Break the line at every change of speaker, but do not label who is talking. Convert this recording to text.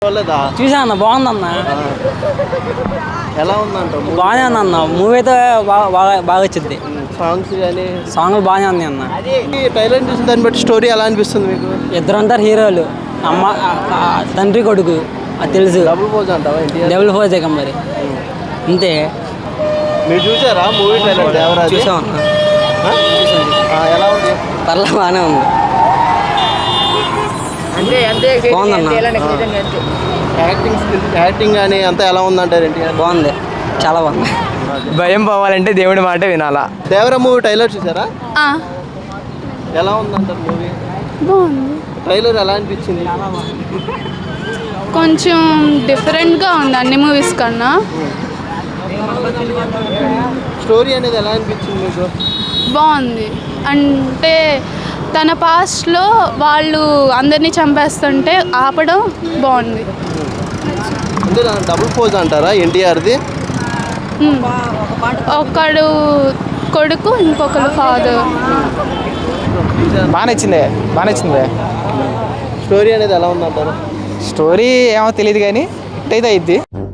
చూసా అన్న, బాగుందన్న.
ఎలా ఉందంట?
బాగానే ఉంది అన్న, మూవీ అయితే బాగా వచ్చింది.
సాంగ్స్ కానీ
సాంగ్లు బాగానే ఉంది అన్న.
ట్రైలర్ చూసిన దాన్ని బట్టి స్టోరీ ఎలా అనిపిస్తుంది మీకు?
ఇద్దరు అంటారు హీరోలు, అమ్మ తండ్రి కొడుకు, అది తెలుసు.
డబుల్ పోజ్ అంటావా?
డబుల్ పోజ్ మరి అంతే.
మీరు చూసారా మూవీ ట్రైలర్? దేవరాజ్
చూసామన్న.
ఎలా ఉంది?
పర్లా బాగానే ఉంది, బాగుందన్న.
యాక్టింగ్ కానీ అంతా ఎలా ఉందంటారు?
బాగుంది, చాలా బాగుంది.
భయం పోవాలంటే దేవుడి మాట వినాలా.
దేవరా మూవీ ట్రైలర్ చూసారా? ఎలా ఉందంటారు మూవీ?
బాగుంది.
ట్రైలర్ ఎలా అనిపించింది?
కొంచెం డిఫరెంట్గా ఉంది అన్ని మూవీస్ కన్నా.
స్టోరీ అనేది ఎలా అనిపించింది మీకు?
బాగుంది. అంటే తన పాస్ట్లో వాళ్ళు అందరినీ చంపేస్తుంటే ఆపడం బాగుంది.
అంటే డబుల్ పోజ్ అంటారా ఎన్టీఆర్ది?
ఒకడు కొడుకు, ఇంకొకరు ఫాదర్.
బాగా నచ్చింది.
స్టోరీ అనేది ఎలా ఉందంటారు?
స్టోరీ ఏమో తెలియదు కానీ ఇట్టయితే అయిద్ది.